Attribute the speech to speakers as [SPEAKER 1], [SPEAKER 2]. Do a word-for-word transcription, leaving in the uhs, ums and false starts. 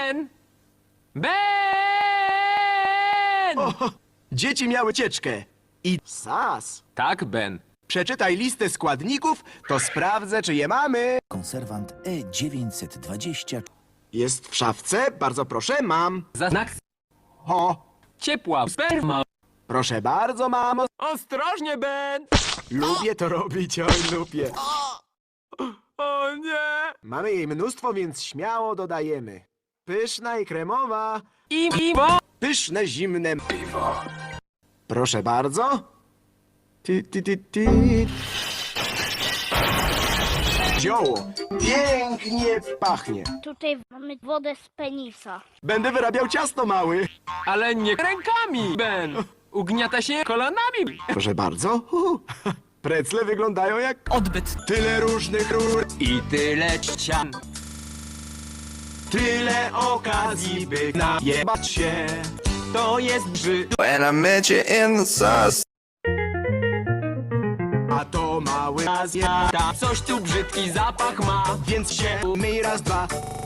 [SPEAKER 1] Ben! Ben!
[SPEAKER 2] O, dzieci miały cieczkę. I sas.
[SPEAKER 1] Tak, Ben.
[SPEAKER 2] Przeczytaj listę składników, to sprawdzę, czy je mamy.
[SPEAKER 3] Konserwant E dziewięćset dwadzieścia.
[SPEAKER 2] Jest w szafce, bardzo proszę, mam.
[SPEAKER 1] Za znak
[SPEAKER 2] O,
[SPEAKER 1] ciepła sperma.
[SPEAKER 2] proszę bardzo, mamo.
[SPEAKER 1] Ostrożnie, Ben!
[SPEAKER 2] Lubię to robić, oj, lubię.
[SPEAKER 1] O nie!
[SPEAKER 2] Mamy jej mnóstwo, więc śmiało dodajemy. Pyszna i kremowa.
[SPEAKER 1] I piwo!
[SPEAKER 2] Pyszne, zimne piwo. Proszę bardzo. Ty, ty, ty, ty. Zioło. Pięknie pachnie.
[SPEAKER 4] Tutaj mamy wodę z penisa.
[SPEAKER 2] Będę wyrabiał ciasto, mały.
[SPEAKER 1] Ale nie rękami, Ben! Ugniata się kolanami.
[SPEAKER 2] Proszę bardzo. Uhu. Precle wyglądają jak
[SPEAKER 1] Odbyt.
[SPEAKER 2] tyle różnych rur.
[SPEAKER 1] I tyle ścian.
[SPEAKER 2] Tyle okazji, by najebać się.
[SPEAKER 1] To jest brzyd.
[SPEAKER 5] When I met you in the sauce.
[SPEAKER 2] A to mały Azja,
[SPEAKER 1] Ta coś tu brzydki zapach ma.
[SPEAKER 2] więc się umyj raz, dwa.